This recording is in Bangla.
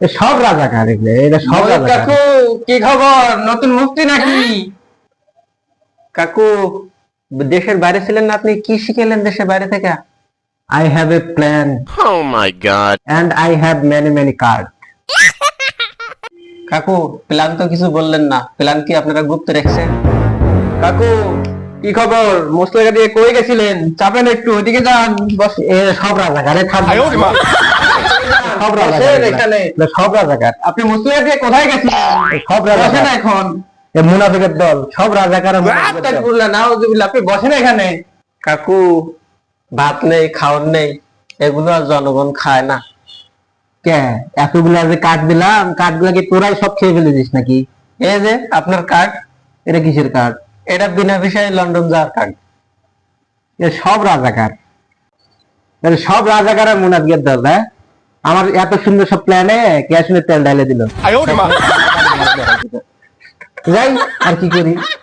সব রাজাকার এগুলো, এটা সব মহিত রাজাকার। কাকু, কি খবর? নতুন মুক্তি নাকি? কাকু, দেশের বাইরে ছিলেন না আপনি, কি শিখেলেন দেশের বাইরে থেকে? I have a plan Oh my god. and I have many cards. কাকু, প্ল্যান তো কিছু বললেন না, প্ল্যান কি আপনারা গুপ্ত রেখেছেন? কাকু, কি খবর? মুসলেগা দিয়ে কই গেছিলেন? চাপেন একটু, ওইদিকে যান। বস, এ সব রাজাকার, এ থামবে। সব রাজাকার বসেন এগুলা। এখানে। এগুলা সব রাজাকার, আপনি মুসলেগা দিয়ে কোথায় গেছিলেন? সব বসেন রাজাকার। এখন। এ মুনাফিকের দল, সব রাজাকার আর মুনাফিকের দল। আস্তাগফিরুল্লাহ, নাউযুবিল্লাহ, আপনি বসেন এখানে। কাকু, ভাত নেই, খাওয়ার নেই, এগুলো আর জনগণ খায় না। কে এতগুলা যে কাঠ দিলাম, কাঠগুলা কি তোরাই সব খেয়ে ফেলেছিস নাকি? এই যে আপনার কার্ড, এটা কিসের কাঠ? এটা বিনা বিষয়ে লন্ডন যাওয়ার কার্ড। এ সব রাজাকার, এ সব রাজাকার আর মুনাফিকের দল। হ্যাঁ, আমার এত সুন্দর সব প্ল্যানে কেয়াসিনের তেল ঢালে দিল। যাই আর কি করি।